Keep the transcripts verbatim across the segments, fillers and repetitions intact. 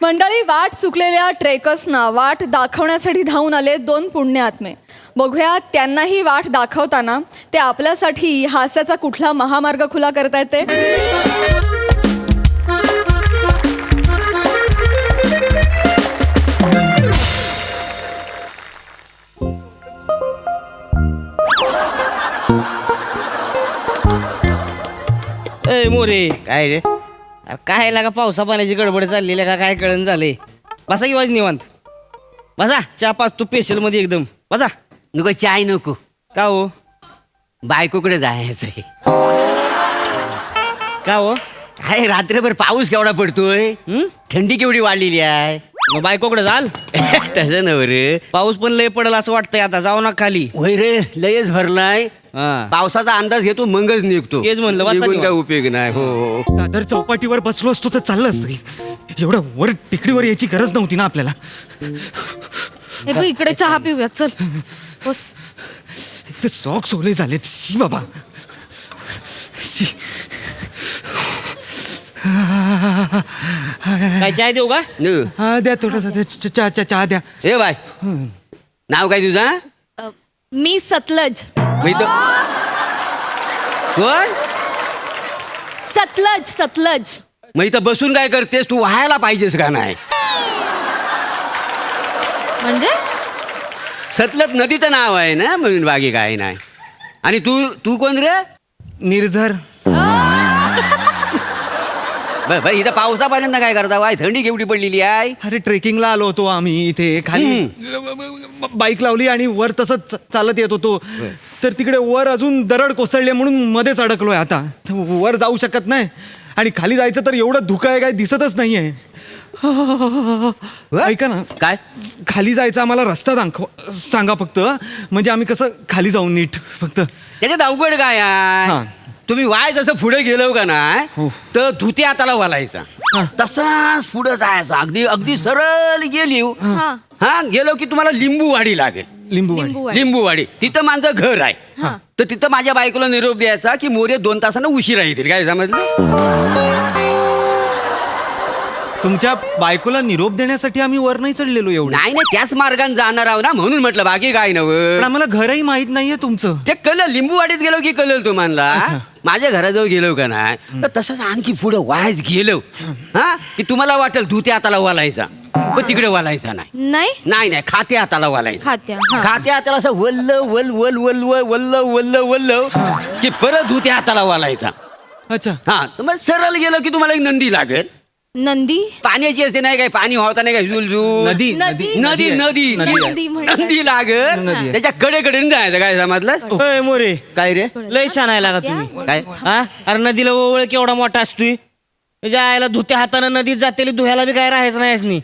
मंडळी, वाट चुकलेल्या ट्रेकर्सना वाट दाखवण्यासाठी धावून आले दोन पुण्य आत्मे. बघूया त्यांनाही वाट दाखवताना ते आपल्यासाठी हास्याचा कुठला महामार्ग खुला करतायत ते. ए मोरे, काय रे? अरे काय लागा पावसा पाण्याची गडबड चाललेली का काय कळण झाले. बसा की वाज निवांत बसा. चहा पाच तू स्पेशल मध्ये एकदम बसा. नको चाय नको. का हो बायकोकडे जायचंय. का हो काय रात्रभर पाऊस केवढा पडतोय, हं? थंडी केवढी वाढलेली आहे. मग बायकोकडे जाल. तसं नव रे. पाऊस पण लय पडेल असं वाटतंय. आता जाऊ ना खाली. होय रे, लयच भरलाय. हा. पावसाचा अंदाज घेतो मगच निघतो. तेच म्हणलं, वाचा निघून निवांत. काय उपयोग नाही. हो हो. दादर चौपाटीवर बसलो असतो तर चाललं असतं. एवढं वर टेकडीवर यायची गरज नव्हती ना आपल्याला. हे बघ, इकडे चहा पिऊया, चल बस. ते सॉक्स ओले झालेत. शी बाबा शी. काय चाय देऊ का? न. हा द्या थोडासा द्या. च- चहा चहा चहा द्या. ए बाय, नाव काय तुझा? अ, मी सतलज. मी तर कोण? सतलज सतलज. मग इथं बसून काय करतेस तू? व्हायला पाहिजेस का नाही? म्हणजे सतलज नदीचं नाव आहे ना, म्हणून बाकी काय नाही. आणि तू तू कोण रे? निर्झर. बर बर, इथं पावसा पाण्यानं काय करता? वाय थंडी केवढी पडलेली आहे. अरे ट्रेकिंगला आलो होतो आम्ही इथे खाली. बाईक लावली आणि वर तसंच च- चालत येत होतो. तर तिकडे वर अजून दरड कोसळली म्हणून मध्येच अडकलोय आता. वर जाऊ शकत नाही आणि खाली जायचं तर एवढं धुकं आहे काय दिसतच नाहीये. ऐका ना, काय? खाली जायचा आम्हाला रस्ता दाखव सांगा फक्त. म्हणजे आम्ही कसं खाली जाऊ नीट फक्त. त्याच्यात अवघड काय आहे? हा. तुम्ही वाय जसं पुढे गेलो का नाही, हो. तर धुते हाताला वालायचा. हा. तसाच पुढे जायचा. अगदी अगदी सरळ गेली. हा. हा गेलो की तुम्हाला लिंबूवाडी लागेल. लिंबू लिंबूवाडी. लिंबूवाडी तिथं माझं घर आहे. हा. तर तिथं माझ्या बायकोला निरोप द्यायचा की मोरे दोन तासानं उशिरा येतील. काय समजलं? तुमच्या बायकोला निरोप देण्यासाठी आम्ही वर नाही चढलेलो एवढं. नाही नाही, त्याच मार्गाने जाणार आहो ना, म्हणून म्हटलं बाकी काय पण नव्हतं. आम्हाला घरही माहित नाहीये तुमचं. ते कळलं. लिंबूवाडीत गेलो की कळलं तुम्हाला. माझ्या घराजवळ गेलो का नाही, तर तसंच आणखी पुढे वायच गेलो हा की तुम्हाला वाटेल धुते हाताला वालायचा, पण तिकडे वालायचा नाही. नाही नाही नाही, खाते हाताला वालायचा. खात्या, हा. खाते हाताला असं वल्ल वल वल वल वल वल्ल वल्ल वल्ल की परत धुते हाताला वालायचा. अच्छा. हा, तर मग सरळ गेलो की तुम्हाला एक नंदी लागेल. नंदी. पाण्याची असते नाही काय, पाणी होता नाही काय, झुलझुल. नदी नदी. नदी नदी नदी आहे. नदी म्हणजे नदी लागेल. नदी आहे. त्याच्या कडेकडे जायचं. काय समजलं? ए मोरे, काय रे? लय छान आहे लागा तुम्ही. काय? हा अरे नदीला ओवळ केवढा मोठा असतोय. त्याच्या आईला धुत्या हातानं नदीत जातेली धुयाला बी काय राहायचं नाही असनी.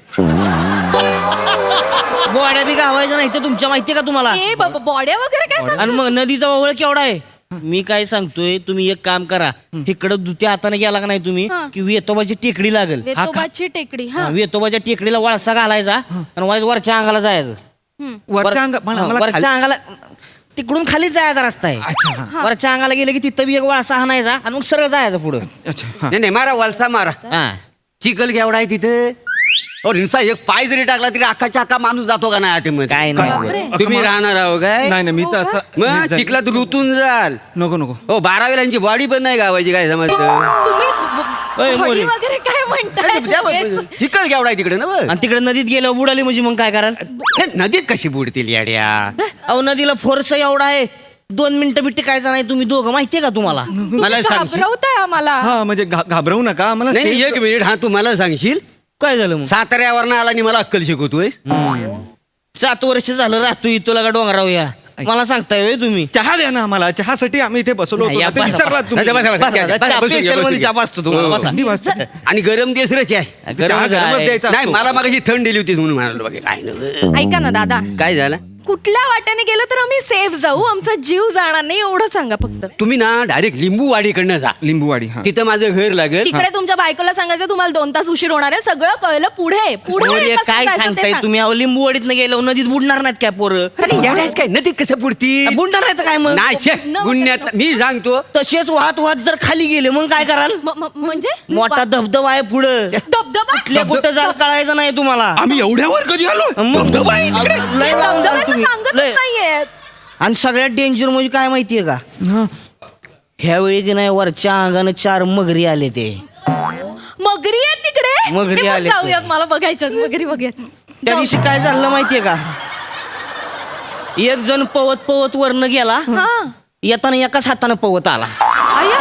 बोड्या बी गावायचं नाही तर तुमच्या माहितीये का तुम्हाला? ए बाबा, बॉड्या वगैरे काय सांग. आणि मग नदीचा ओवळ केवढा आहे. मी काय सांगतोय, तुम्ही एक काम करा. इकडं दुत्या हाताने गेला का नाही तुम्ही हा. की वेतोबाची टेकडी लागेल. वेतोबाची टेकडी. हा. वेतोबाच्या टेकडीला वळसा घालायचा आणि वाईज वरच्या अंगाला जायचं. हम्म. वरच्या अंगा मला- हा, मला वरच्या खाली- अंगाला तिकडून खाली जायचा रस्ता आहे. अच्छा हा. वरच्या अंगाला गेले की तिथं बी एक वळसा हाणायचा आणि मग सरळ जायचं पुढं. अच्छा हा. नाही नाही, मारा वलसा मारा. हा. चिखल केवढा आहे तिथे. और हिंसा एक पाय जरी टाकला तरी अख्खाच्या अख्खा माणूस जातो का नाही आतमध्ये? काय बापरे. नाही. तुम्ही राहणार आहो काय? नाही नाही, मी तर हो का? असं मग जाईल. चिखलात रुतून जाल. नको नको. हो, बारावीलांची बॉडी पण नाही गावायची. काय समजतं? तुम्ही ओय, बॉडी मोरी. वगैरे काय म्हणताय? चिखल केवढा आहे तिकडे ना बघ. आणि तिकडे नदीत गेल्यावर बुडाली म्हणजे मग काय कराल? हे नदीत कशी बुडतील याड्या? अहो नदीला फोर्स एवढा आहे, दोन मिनिटं बी टिकायचं नाही. तुम्ही दोघं माहितीये का तुम्हाला? मला सांगशील? घाबरवताय आम्हाला. हा म्हणजे घा- घाबरवू नका आम्हाला. नाही safe- एक मिनिट. हा, तू मला सांगशील काय झालं मग? साताऱ्यावरनं आला आणि मला अक्कल शिकवतोय. सात वर्ष झालं राहतोय तुला का डोंगराव या. मला सांगताय होय तुम्ही? चहा द्या ना आम्हाला. चहासाठी आम्ही इथे बसलो नाही, होतो. या, आता बसा, विसरलात बसा. तुम्ही. बसा, बसा, बसा. बसा, बसा, चहा बसून घ्या, special बसून मध्ये घ्या. चहा बसतो तुम्हाला, हो. बसा. थंडी वाजते. आणि गरम देसरच आहे. चहा गरम गरमच आहे. द्यायचा नाही, असतो. मला मग थंड दिली होती म्हणून म्हणालो. बाकी काय नव्हतं. ऐका ना दादा, काय झालं? कुठल्या वाट्याने गेलं तर आम्ही सेफ जाऊ, आमचा जीव जाणार नाही एवढं सांगा फक्त. तुम्ही ना डायरेक्ट लिंबूवाडीकडनं जा. लिंबूवाडी हा तिथं माझं घर लागेल. तिकडे तुमच्या बायकोला सांगायचं तुम्हाला दोन तास उशीर होणार आहे, सगळं कळलं. पुढे पुढे अरे, कसं काय जायचं ते सांगताय सांग. तुम्ही? अहो लिंबूवाडीतनं गेलो नदीत बुडणार नाहीत काय पोरं? अरे येड्यास काय नदीत कसं पुरती? बुडणार नाहीत काय मग? नाही छे, न- गुन्ह्यात मी सांगतो. तसेच वाहत वाहत जर खाली गेले मग काय कराल? म- म- म्हणजे मोठा धबधबा आहे पुढं. धबधबा कुठल्या कुठं जाल कळायचं नाही तुम्हाला. आम्ही एवढ्यावर कधी आलो मग- धबधबा आहे तिकडे. लय लांब जाल धबधब्याचं तुम्ही. सांगतच लय. नाहीये. आणि सगळ्यात डेंजर म्हणजे काय माहितीये का? हा. ह्यावेळी की नाही वरच्या अंगानं चार मगरी आले ते. मगरी आहे तिकडे. मगरी हे मग आले. जाऊयात, मला बघायच्यात मगरी बघूयात. त्या दिवशी काय झालं माहितीये का? एक जण पवत पवत वरनं गेला, हा येताना एकाच हातानं पवत आला. आया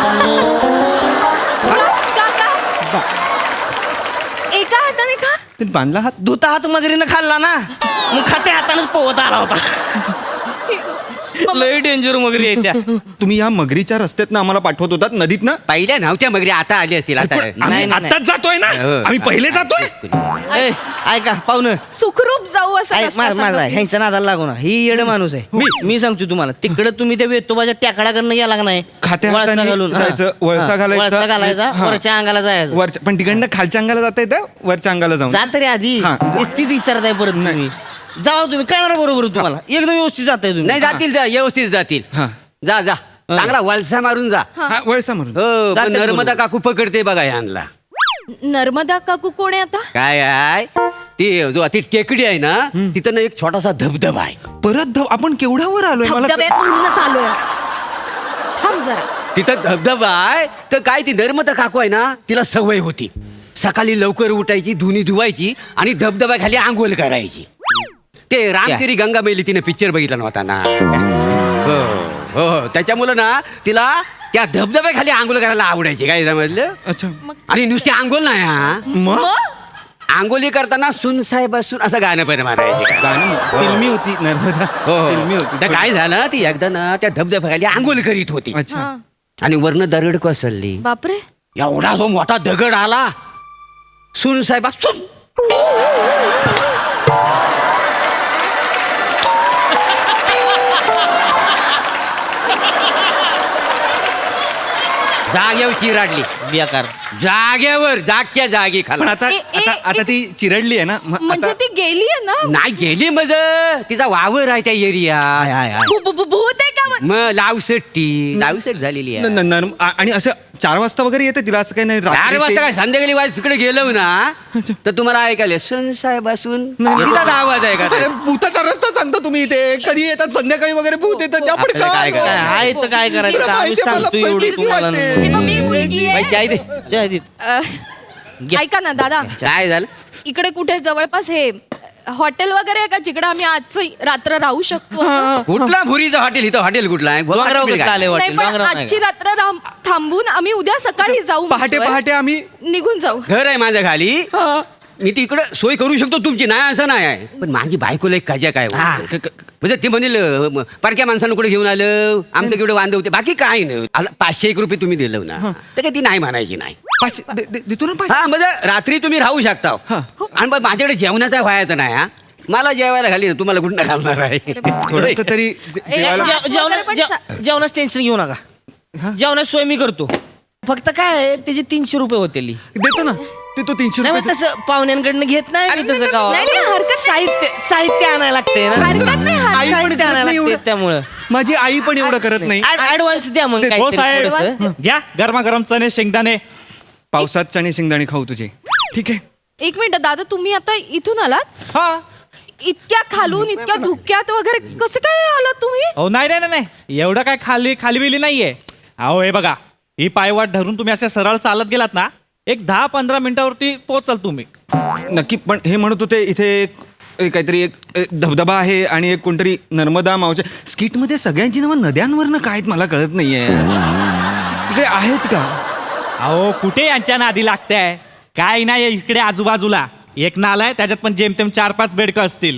का का एका हाताने का ते बांधला हात धुता हात मगरीनं खाल्ला ना, मग खात्या हातानंच पवत आला होता. मग- लय डेंजर मगरी आहे त्या. तुम्ही या मगरीच्या रस्त्यात आम्हाला पाठवत होतात नदीत ना पहिल्या नव्हत्या मगरी, आता आली असतील. आता पण आम्ही नाही, नाही. आत्ताच जातोय ना हो. आम्ही पहिले जातोय. ए, ऐका पाहुणं, सुखरूप जाऊ असं ऐक, नसतं मा- माझा सगळं. ह्यांच्या नादाला लागू ना. ही येड माणूस आहे. मी मी सांगतो तुम्हाला, तिकडे तुम्ही त्या वेतोबाच्या टेकडाकडनं गेला का नाही, खात्या वळसा हाताने घालून, हा. जायचं, वळसा हा, घालायचा. वळसा घालायचा, हा. वरच्या अंगाला जायचं. वरच्या पण तिकडनं खालच्या अंगाला जाता येतं वरच्या अंगाला जाऊन जा तरी आधी. हा. तीच विचारताय परत तुम्ही. जावा तुम्ही, कळणार बरोबर तुम्हाला. एकदम व्यवस्थित जाताय तुम्ही. नाही जातील, जा व्यवस्थित जातील. हा. जा जा चांगला वलसा मारून जा. हा वळसा म्हणून हो जातील पण नर्मदा बरोबर. काकू पकडते बघा यांना. नर्मदा काकू कोण आहे आता? काय आहे ती जो ती टेकडी आहे ना, तिथं ना एक छोटासा धबधबा आहे. परत धब- आपण केवढ्यावर आलोय मला धबधब्यात म्हणूनच आलोय. थांब जरा. तिथं धबधबा आहे तर काय ती नर्मदा काकू आहे ना, तिला सवय होती सकाळी लवकर उठायची, धुनी धुवायची आणि धबधब्याखाली आंघोळ करायची. ते रामतेरी गंगा मैली तिने पिक्चर बघितला नव्हता ना. हो हो त्याच्यामुळं ना तिला त्या धबधब्याखाली आंघोळ करायला आवडायची. काय समजलं? अच्छा आणि नुसती आंघोळ नाही हा, मग मग? आंघोळी करताना सुन साहेब असून असं गाणं पण म्हणायचे. गाणं फिल्मी होती नर्मदा हो फिल्मी हो. होती तर काय झालं, ती एकदा ना त्या धबधब्याखाली आंघोळ करीत होती अच्छा हा. आणि वरनं दरड कोसळली. बापरे. एवढा जो मोठा दगड आला, सुन साहेब सुन जागेवर चिराडली. बेकार. जागेवर जागच्या जागी पण खाला. आता ए- ए- आता आता ती चिरडली आहे ना मग म्हणजे आता- ती गेली आहे ना? नाही गेली मज तिचा वावर आहे त्या एरिया. I, I, I. भू- भू- भू- भूत आहे का मग? मग लावसट्टी लावसट झालेली न- आहे. न- नर्म- आ- आणि असं चार वाजता वगैरे येते तिला असं काही नाही चार रात्री वाजता ते- काय संध्याकाळी वाज तिकडे गेलो ना तर तुम्हाला ऐकायला सुन साहेब असून तिचा आवाज आहे का अरे, भूताचा रस्ता सांगता तुम्ही इथे कधी येतात संध्याकाळी वगैरे भूत येतात आपण आपल्याला काय काय करायचं? काय आहे तर काय करायचं? तुला आम्ही माहिती आहे, सांगतो मला एवढं भीती तुम्हाला. वाटते. हे बघ, मी मुलगी आहे. बाई, चाय दे. जय दीप. अ, ऐका ना दादा, काय झालं? इकडे कुठे जवळपास हे हॉटेल वगैरे आहे का जिकडे आम्ही आजची रात्र राहू शकतो असं? कुठला भुरीचं हॉटेल? इथं हॉटेल कुठला आहे? डोंगरावर कसं आले नाही हॉटेल? पण डोंगरावर नाही आजची का? रात्र राम- थांबून आम्ही उद्या सकाळी जाऊ पहाटे म्हणतोय. पहाटे आम्ही निघून जाऊ. घर आहे माझ्या खाली. हा. मी तिकडं सोय करू शकतो तुमची, नाही असं नाही आहे. पण माझी बायकोला एक काजा काय हा. वाटतं. क- क- म्हणजे ते म्हणेल म, पारख्या माणसानं कुठे घेऊन आलं, आमचं केवढं वांदे होते, बाकी काय नाही. आला पाचशे एक रुपये तुम्ही दिलं ना तर काय ती नाही म्हणायची नाही. पाचशे दे- दे- देतो ना पाचशे हा म्हणजे रात्री तुम्ही राहू शकता. हा. आणि मग माझ्याकडे जेवणाचा व्हायचं नाही हा. मला जेवायला घाली ना, तुम्हाला कुठं घालणार आहे? थोडस तरी जे- ए, जेवायला- हा. जेव- जेवणा- पण जेव- जेवणाचं टेन्शन घेऊ नका. जेवणाची सोय मी करतो. फक्त काय आहे, त्याचे तीनशे रुपये होते. देतो ना देतो तीनशे नाही रुपये मग तसं पाहुण्यांकडनं घेत नाही मी तसं गावात. नाही, नाही, हरकत नाही. साहित्य साहित्य आणायला लागते ना. हरकत नाही, हरकत आई पण साहित्य करत आणायला नाही लागते एवढं. त्यामुळं. माझी आई पण एवढं करत नाही ऍडव्हान्स द्या मग हो काहीतरी साहेब थोडंसं. घ्या गरमागरम चणे शेंगदाणे. पावसात चणे शेंगदाणे खाऊ तुझे ठीक आहे एक मिनिट दादा, तुम्ही आता इथून आलात? हा इतक्या खालून इतक्या धुक्यात वगैरे कसं काय आलात तुम्ही? हो नाही नाही नाही नाही. एवढं काय खाली खाली बिली नाहीये. अहो हे बघा, ही पायवाट धरून तुम्ही अशा सरळ चालत गेलात ना, एक दहा पंधरा मिनिटावरती पोहोचाल तुम्ही. नक्की पण हे म्हणत होते इथे एक एक काहीतरी एक एक धबधबा आहे आणि एक कोणतरी नर्मदा मावच्या स्किटमध्ये सगळ्यांची नावं नद्यांवरनं काय आहेत मला कळत नाहीये तिकडे आहेत का अहो कुठे यांच्या नादी लागताय? काय नाही इकडे आजूबाजूला एक नाला आहे, त्याच्यात पण जेमतेम चार पाच बेडकं असतील.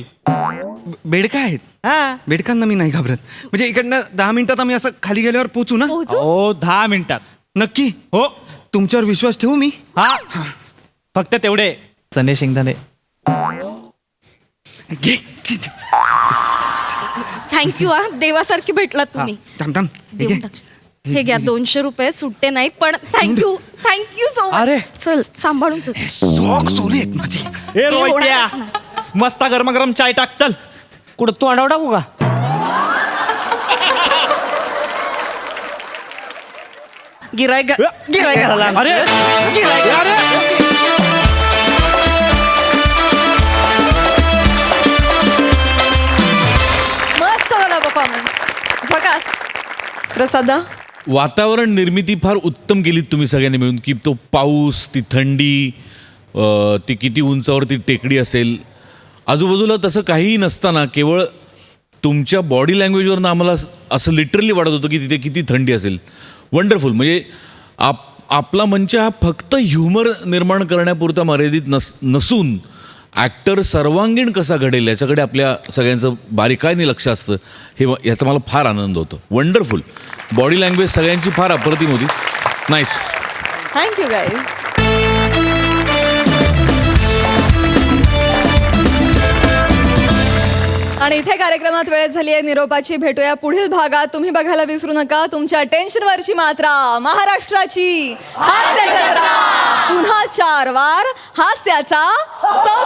बेडका आहेत हा बेडकांना मी नाही घाबरत म्हणजे इकडनं दहा मिनिटात आम्ही असं खाली गेल्यावर पोचू ना पोहोचू? हो दहा मिनिटात. नक्की हो तुमच्यावर विश्वास ठेवू मी हा फक्त तेवढे चणे शेंगदाणे. घे थँक्यू हा देवासारखी भेटला तुम्ही थांब थांब हे देऊन घे. टाक. हे घ्या दोनशे रुपये सुट्टे नाहीत पण थँक्यू थँक्यू सो अरे. मच चल सांभाळून चल. सॉक सोली आहेत माझी. ए ते रोहित्या होणारच मस्त गरमागरम चाय टाक चल. कुठं तू आडाव टाकू का गिराय गिराय घाला अरे अरे मस्त झाला परफॉर्मन्स बघा प्रसादा वातावरण निर्मिती फार उत्तम केली तुम्ही सगळ्यांनी मिळून की तो पाऊस ती थंडी अ, ती किती उंचावरती टेकडी असेल आजूबाजूला तसं काहीही नसताना केवळ तुमच्या बॉडी लँग्वेजवरनं आम्हाला अस- असं लिटरली वाटत होतं की तिथे किती थंडी असेल वंडरफुल म्हणजे आप आपला मंच हा फक्त ह्युमर निर्माण करण्यापुरता मर्यादित नस नसून ॲक्टर सर्वांगीण कसा घडेल याच्याकडे आपल्या सगळ्यांचं बारीकाईने लक्ष असतं हे म- याचा मला फार आनंद होतो वंडरफुल बॉडी लँग्वेज सगळ्यांची फार अप्रतिम होती नाईस थँक्यू गाईज आणि इथे कार्यक्रमात वेळ झाली आहे निरोपाची. भेटूया पुढील भागात. तुम्ही बघायला विसरू नका तुमच्या टेन्शनवरची मात्रा महाराष्ट्राची हास्य जत्रा. पुन्हा चार वार हास्याचा